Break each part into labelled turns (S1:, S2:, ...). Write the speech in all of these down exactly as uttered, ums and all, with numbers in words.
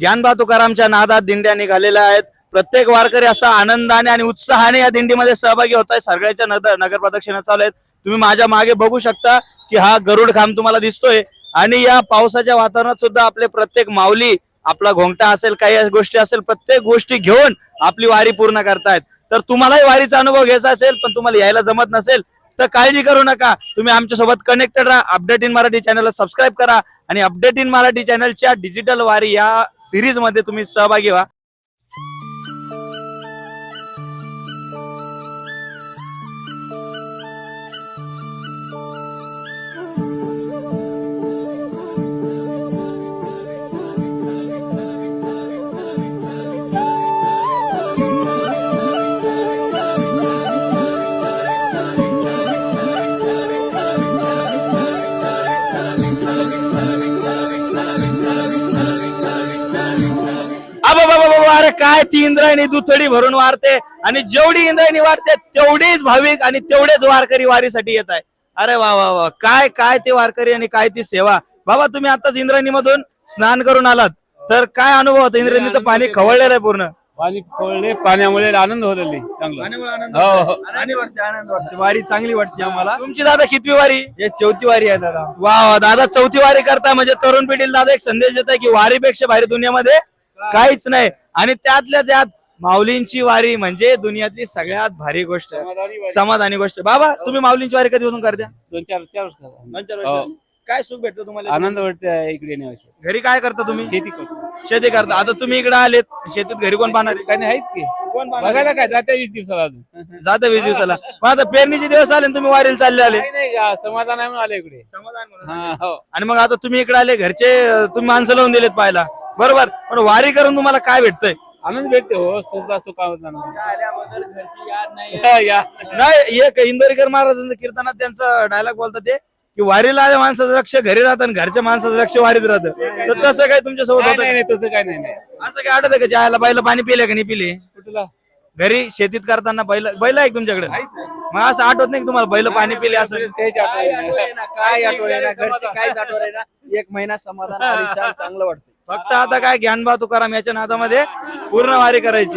S1: ज्ञानबा तुकारामच्या नादात दिंड्या निघालेल्या आहेत. प्रत्येक वारकरी असा आनंदाने आणि उत्साहाने या दिंडीमध्ये सहभागी होत आहे. सगळ्याच्या नगर नगर प्रदक्षिणा चालू आहेत. तुम्ही माझ्या मागे बघू शकता की हा गरुड खांब तुम्हाला दिसतोय आणि या पावसाच्या वातावरणात सुद्धा आपले प्रत्येक माऊली आपला घोंगटा असेल काही गोष्टी असेल प्रत्येक गोष्टी घेऊन आपली वारी पूर्ण करतायत. तर तुम्हालाही वारीचा अनुभव घ्यायचा असेल पण तुम्हाला यायला जमत नसेल तर काळजी करू नका. तुम्ही आमच्या सोबत कनेक्टेड राहा. अपडेट इन मराठी चॅनलला सबस्क्राईब करा आणि अपडेट इन मराठी चॅनलच्या डिजिटल वारी या सिरीज मध्ये तुम्ही सहभागी व्हा. अरे काय ती इंद्रायणी दुथडी भरून वारते आणि जेवढी इंद्रायणी वारते तेवढीच भाविक आणि तेवढेच वारकरी वारीसाठी येत आहे. अरे वा वा वा काय काय ते वारकरी आणि काय ती सेवा. बाबा तुम्ही आताच इंद्रायणी मधून स्नान करून आलात तर काय अनुभव होता? इंद्रायणीचं पाणी खवळलेलं आहे पूर्ण.
S2: पाणी खवळले पाण्यामुळे आनंद होत चांगला.
S3: आनंद वाटते. वारी चांगली वाटते आम्हाला.
S1: तुमची दादा कितवी वारी?
S3: हे चौथी वारी आहे दादा.
S1: वा वा दादा चौथी वारी करता म्हणजे तरुण पिढीला दादा एक संदेश देत आहे की वारीपेक्षा भारी दुनियामध्ये काहीच नाही. आणि त्यातल्या त्यात माऊलींची वारी म्हणजे दुनियातली सगळ्यात भारी गोष्ट समाधानी गोष्ट. बाबा तुम्ही माऊलींची वारी कधीपासून करता?
S2: दोन चार चार
S1: दोन चार वर्ष. काय सुख भेटतं तुम्हाला?
S2: आनंद वाटतं इकडे येण्याविषयी.
S1: घरी काय करता तुम्ही?
S2: शेती करतो.
S1: शेती करता. आता तुम्ही इकडे आलेत शेतीत घरी कोण पाहणार?
S2: काही आहेत की
S1: कोण
S2: बघायला काय जात्या वीस दिवसाला अजून
S1: जातं वीस दिवसाला. मग आता पेरणीचे दिवस आले आणि तुम्ही वारीला चालले आले.
S2: नाही का समाधान आहे म्हणून आले इकडे. हा हो.
S1: आणि मग आता तुम्ही इकडे आले घरचे तुम्ही माणसं लावून दिलेत पाहायला बरोबर. पण वारी करून तुम्हाला काय भेटतंय?
S2: आनंद भेटते हो. सुखा सुखा
S3: घरची याद नाही.
S1: नाही एक इंदोरीकर महाराजांचं कीर्तनात त्यांचं डायलॉग बोलतात ते की वारीला आल्या माणसाचं लक्ष घरी राहतं आणि घरच्या माणसाचं लक्ष वारीत राहतं. तर तसं काय तुमच्या सोबत होतं?
S2: नाही तसं काय नाही.
S1: असं काय आठवतं का ज्याला बैल पाणी पिले का नाही पिले?
S2: कुठला
S1: घरी शेतीत करताना बैल बैल आहे तुमच्याकडे? मग असं आठवत नाही की तुम्हाला बैल पाणी पिले असं?
S3: काय आठवण ना घरची काहीच आठवण ना. एक महिना समाधान वारी छान चांगलं वाटतं.
S1: फक्त आता काय ज्ञानबा तुकाराम याच्या नादामध्ये पूर्ण वारी करायची.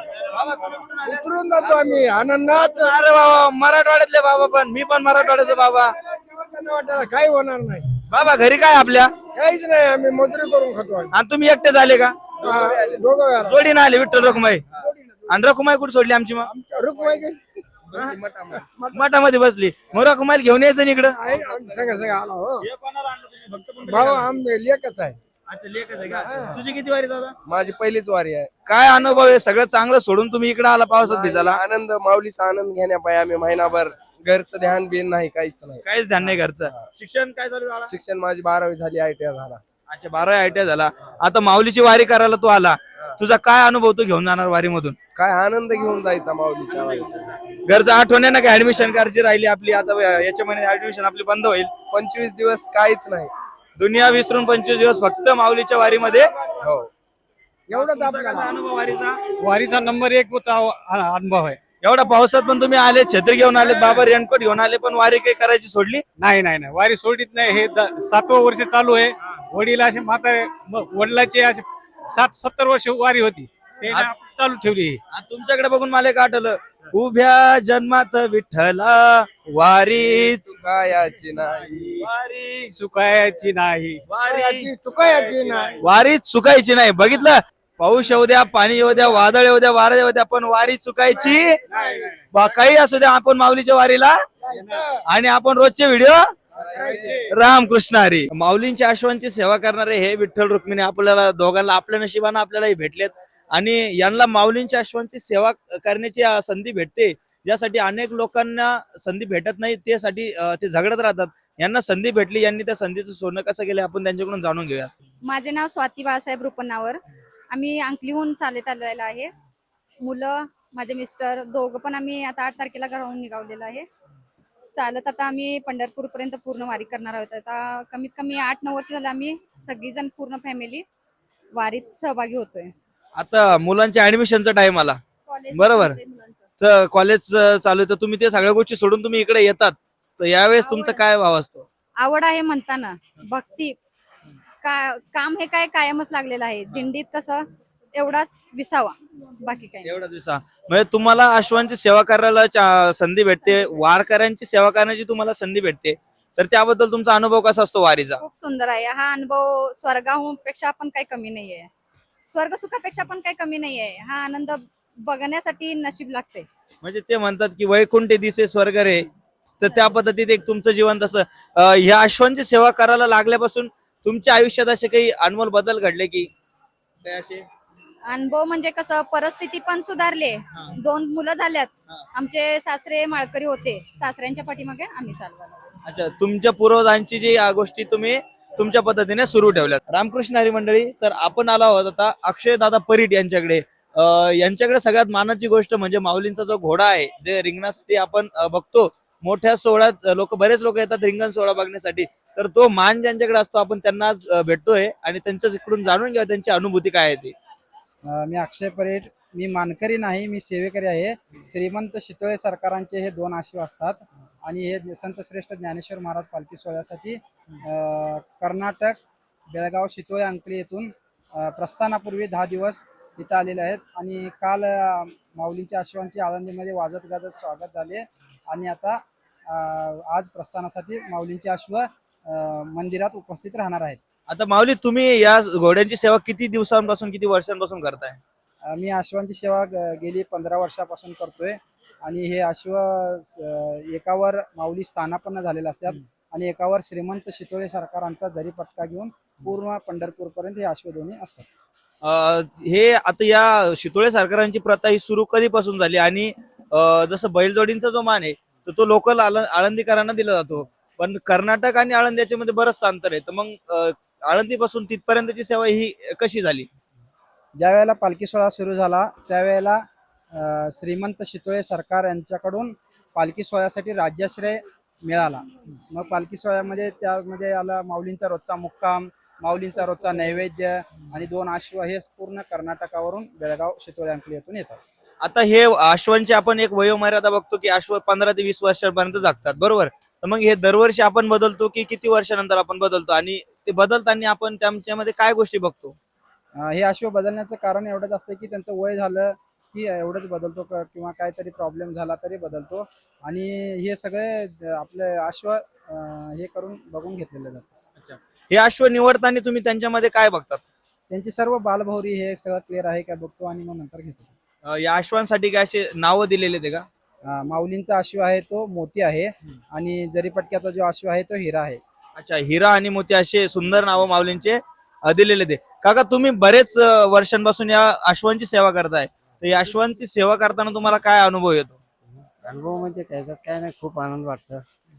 S3: उतरून जातो आम्ही आनंदात.
S1: अरे बाबा मराठवाड्यातले बाबा पण मी पण मराठवाड्याचे बाबा.
S3: काही होणार नाही
S1: बाबा घरी काय आपल्या?
S3: काहीच नाही. आम्ही मजुरी करून खातो.
S1: आणि तुम्ही एकटे झाले का?
S3: दोघं
S1: जोडी ना आले विठ्ठल रखुमाई. आणि रखुमाई कुठे सोडली आमची? मग
S3: रुक्माई
S1: मठामध्ये बसली. मग रखुमाईला घेऊन यायचं ना इकडं.
S3: सगळं सगळं आला हो. भाऊ आम्ही लेखच आहे.
S1: तुझी किती वारी दादा?
S3: माझी पहिलीच वारी आहे.
S1: काय अनुभव आहे? सगळं चांगलं सोडून तुम्ही इकडे आला पावसात भिजायला.
S3: आनंद माऊलीचा आनंद घेण्यापाय आम्ही महिनाभर घरचं ध्यान बिन नाही काहीच नाही.
S1: काहीच ध्यान नाही घरचं. शिक्षण काय चालू झालं?
S3: शिक्षण माझी बारावी झाली. आय टी आय झाला.
S1: अच्छा बारावी आय टी आय झाला. आता माऊलीची वारी करायला तू आला. तुझा काय अनुभव तू घेऊन जाणार वारी मधून?
S3: काय आनंद घेऊन जायचा माऊलीच्या वारीत.
S1: घरचं आठवण आहे ना का? ऍडमिशन करायची राहिली आपली आता याच्या महिन्यात ऍडमिशन आपली बंद होईल.
S3: पंचवीस दिवस काहीच नाही.
S1: दुनिया विसरून पंचवीस दिवस फक्त माऊलीच्या वारीमध्ये.
S3: हो
S1: एवढा अनुभव वारीचा.
S2: वारीचा नंबर एक अनुभव आहे.
S1: एवढा पावसात पण तुम्ही आले छत्री घेऊन आले बाबा रेनकोट घेऊन आले पण वारी काही करायची सोडली
S2: नाही नाही नाही वारी सोडित नाही. हे सातवं वर्ष चालू आहे. वडील असे म्हातारे वडिलाचे असे साठ सत्तर वर्ष वारी होती ते चालू ठेवली.
S1: तुमच्याकडे बघून मला एक आठवलं. उभ्या जन्मात विठ्ठला वारी
S3: चुकायची नाही.
S2: वारी चुकायची नाही.
S1: वारी
S3: चुकायची नाही.
S1: वारी चुकायची नाही. बघितलं पाऊस येऊ द्या पाणी येऊ द्या वादळ येऊ द्या वारा येऊ द्या पण वारी चुकायची काही असू द्या. आपण माऊलीच्या वारीला आणि आपण रोजचे व्हिडिओ रामकृष्ण हरी. माऊलींच्या अश्वांची सेवा करणारे हे विठ्ठल रुक्मिणी आपल्याला दोघांना आपल्या नशिबानं आपल्यालाही भेटलेत. आणि यांना माऊलींच्या अश्वांची सेवा करण्याची संधी भेटते ज्यासाठी अनेक लोकांना संधी भेटत नाही त्यासाठी ते झगडत राहतात. यांना संधी भेटली. यांनी त्या संधीचं सोनं कसं केलं आपण त्यांच्याकडून जाणून घेऊया.
S4: माझे नाव स्वाती बाळासाहेब रुपन्नावर. आम्ही अंकलीहून चालत आलेलो आहे. मुलं माझे मिस्टर दोघं पण आम्ही आता आठ तारखेला घराहून निघालेलो आहे. चालत आता आम्ही पंढरपूर पर्यंत पूर्ण वारी करणार आहोत. आता कमीत कमी आठ नऊ वर्ष झाले आम्ही सगळीजण पूर्ण फॅमिली वारीत सहभागी होतोय.
S1: आता मुलांच्या ऍडमिशनचा टाइम आला बरोबर. तर कॉलेज चालू आहे तर तुम्ही ते सगळ्या गोष्टी सोडून तुम्ही इकडे येतात तर यावेळेस तुमचा काय भाव असतो?
S4: आवड आहे म्हणताना भक्ती का काम हे काय कायमच लागलेलं आहे. दिंडीत कसं एवढाच विसावा, बाकी काही नाही.
S1: एवढा दिवसा म्हणजे तुम्हाला अश्वांची सेवा करायला चा- संधी भेटते, वारकऱ्यांची सेवा करण्याची तुम्हाला संधी भेटते, तर त्याबद्दल तुमचा अनुभव कसा असतो वारीचा?
S4: खूप सुंदर आहे हा अनुभव. स्वर्गापेक्षा पण काही कमी नाहीये, स्वर्ग सुखापेक्षा पण काही कमी नाहीये. हा आनंद बघण्यासाठी नशीब लागते.
S1: म्हणजे ते म्हणतात की वैकुंठी दिसे स्वर्ग रे, तर त्या पद्धतीत एक तुमचं जीवन तसं अं, ह्या अश्वांची सेवा करायला लागल्यापासून तुमच्या आयुष्यात असे काही अनमोल बदल घडले की काय असे?
S4: अनुभव म्हणजे कसं, परिस्थिती पण सुधारले. दोन मुलं झाल्यात. आमचे सासरे माळकरी होते, सासऱ्यांच्या पाठीमागे आम्ही चालवलो.
S1: अच्छा, तुमच्या पूर्वजांची जी या गोष्टी तुम्ही तुमच्या पद्धतीने सुरू ठेवल्यात. रामकृष्ण हरी मंडळी, तर आपण आलो आहोत आता अक्षय दादा परीट यांच्याकडे. अं, यांच्याकडे सगळ्यात मानाची गोष्ट म्हणजे माऊलींचा जो घोडा आहे, जे रिंगणासाठी आपण अं, बघतो मोठ्या सोहळ्यात लोक बरेच लोक येतात रिंगण सोहळा बघण्यासाठी, तर तो मान ज्यांच्याकडे असतो आपण त्यांना आज, अं, भेटतोय आणि त्यांच्याच इकडून जाणून घ्या त्यांची अनुभूती काय आहे ती.
S5: अ, मी अक्षय परेड. मी मानकरी नाही, मी सेवेकरी आहे. श्रीमंत शितोळे सरकारांचे हे दोन आशीव असतात आणि हे संत श्रेष्ठ ज्ञानेश्वर महाराज पालखी सोहळ्यासाठी अ, कर्नाटक बेळगाव शितोळे अंकली येथून अ, प्रस्थानापूर्वी दहा दिवस इथं आलेले आहेत आणि काल अ, माऊलींच्या आशीवांची आळंदीमध्ये वाजत गाजत स्वागत झाले आणि आता अ, आज प्रस्थानासाठी माऊलींचे अश्व अ, मंदिरात उपस्थित राहणार आहेत.
S1: आता माऊली, तुम्ही या घोड्यांची सेवा किती दिवसांपासून किती वर्षांपासून करताय?
S5: अ, मी अश्वांची सेवा ग- गेली पंधरा वर्षापासून करतोय आणि हे अश्व स- एकावर माऊली स्थानापन्न झालेले असतात आणि एकावर श्रीमंत शितोळे सरकारांचा जरी पटका घेऊन पूर्ण पंढरपूर पर्यंत हे अश्व दोन्ही असतात.
S1: अं, हे आता या शितोळे सरकारांची प्रथा ही सुरू कधीपासून झाली आणि अं, जसं बैलजोडींचा जो मान आहे तर तो लोकल आळंदीकरांना दिला जातो, पण कर्नाटक आणि आळंदी याच्यामध्ये बरंच अंतर आहे, तर मग अं, आळंदीपासून तिथपर्यंतची सेवा ही कशी झाली?
S5: ज्या वेळेला पालखी सोहळा सुरू झाला त्यावेळेला अ, श्रीमंत शितोळे सरकार यांच्याकडून पालखी सोहळ्यासाठी राज्याश्रय मिळाला. मग पालखी सोहळ्यामध्ये त्यामध्ये आला माऊलींचा रोजचा मुक्काम, माऊलींचा रोजचा नैवेद्य आणि दोन अश्व हे पूर्ण कर्नाटकावरून बेळगाव शितोळे अंकली येथून येतात.
S1: आता हे अश्वांची आपण एक वयोमर्यादा बघतो की अश्व पंधरा ते वीस वर्षांपर्यंत जगतात, बरोबर? तर मग हे दरवर्षी आपण बदलतो की किती वर्षानंतर आपण बदलतो आणि ते बदलताना आपण त्यांच्यामध्ये काय गोष्टी बघतो?
S5: अ, हे अश्व बदलण्याचं कारण एवढंच असतं की त्यांचं वय झालं की एवढंच बदलतो क- किंवा काहीतरी प्रॉब्लेम झाला तरी बदलतो आणि हे सगळे अ, आपले अश्व अ, हे करून बघून घेतलेले जातात.
S1: हे अश्व निवडताना तुम्ही त्यांच्यामध्ये काय बघतात?
S5: त्यांची सर्व बालभौरी हे सगळं क्लिअर आहे का बघतो आणि मग नंतर घेतो.
S1: अं, या अश्वांसाठी काय असे नावं दिलेले ते का?
S5: अ, माऊलींचा अश्व आहे तो मोती आहे आणि जरीपटक्याचा जो अश्व आहे तो हिरा आहे.
S1: अच्छा, हिरा आणि मोती असे सुंदर नावं माऊलींचे अं, दिलेले ते. काका, तुम्ही बरेच अं, वर्षांपासून या अश्वांची सेवा करताय, तर या अश्वांची सेवा करताना तुम्हाला काय अनुभव येतो?
S6: अनुभव म्हणजे त्याच्यात काय नाही, खूप आनंद वाटतं.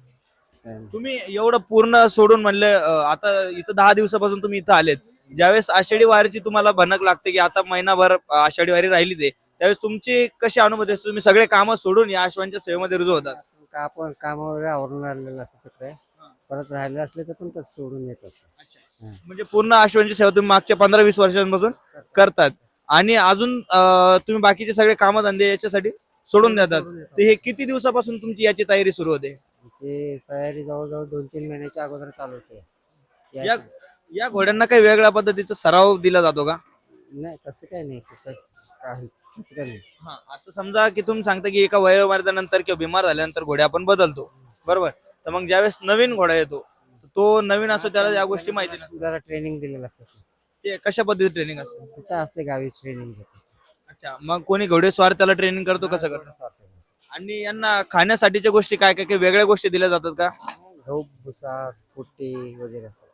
S1: तुम्ही एवढं पूर्ण सोडून म्हणले, अं, आता इथं दहा दिवसापासून तुम्ही इथं आलेत, ज्यावेळेस आषाढी वारीची तुम्हाला भनक लागते की आता महिनाभर अं, आषाढी वारी राहिली ते, त्यावेळेस तुमची कशी अनुभूती असते? तुम्ही सगळे कामं सोडून या अश्वांच्या सेवेमध्ये रुजू होतात?
S6: का आपण काम वगैरे आवरून आलेलं असतं तिकडे, परत राहिले असले तर पण तसं सोडून येत असतं.
S1: म्हणजे पूर्ण अश्वांची सेवा तुम्ही मागच्या पंधरा वीस वर्षांपासून करतात आणि अजून अं, तुम्ही बाकीचे सगळे कामधंदे याच्यासाठी सोडून देतात, तर हे किती दिवसापासून तुमची याची तयारी सुरू होते?
S6: आमची तयारी जवळजवळ दोन तीन महिन्याच्या अगोदर चालू होते. या-
S1: या या घोड्यांना काही वेगळ्या पद्धतीचा सराव दिला जातो का?
S6: नाही तसं काही नाही, कुठं काही तसं काही नाही.
S1: हा, आता समजा की तुम्ही सांगता की एका वयोमर्यादेनंतर किंवा बिमार झाल्यानंतर घोडे आपण बदलतो, बरोबर? तर मग ज्यावेळेस नवीन घोडा येतो, तो नवीन असतो, त्याला या गोष्टी माहिती नसतात,
S6: जरा ट्रेनिंग दिलेलं असतं.
S1: ते कशा पद्धतीत ट्रेनिंग असतं?
S6: कुठं असते गावीच ट्रेनिंग घेतो.
S1: अच्छा, मग कोणी घोडेस्वार त्याला ट्रेनिंग करतो, कसं करतो? आणि यांना खाण्यासाठीच्या गोष्टी काय काय काही वेगळ्या गोष्टी दिल्या जातात का?
S6: गहू भुसा पुट्टी वगैरे असं.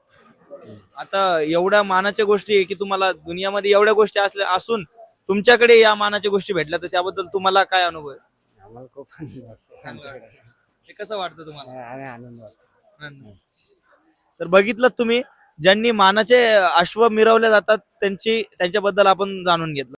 S1: आता एवढ्या मानाच्या गोष्टी आहे की तुम्हाला दुनियामध्ये एवढ्या गोष्टी असल्या असून तुमच्याकडे या मानाच्या गोष्टी भेटल्या, तर त्याबद्दल तुम्हाला काय अनुभव आहे?
S6: आम्हाला खूप आनंद वाटतो आमच्याकडे.
S1: हे कसं वाटतं तुम्हाला?
S6: आणि आनंद वाटतो.
S1: तर बघितलं तुम्ही, ज्यांनी मानाचे अश्व मिरवले जातात त्यांची त्यांच्याबद्दल आपण जाणून घेतलं.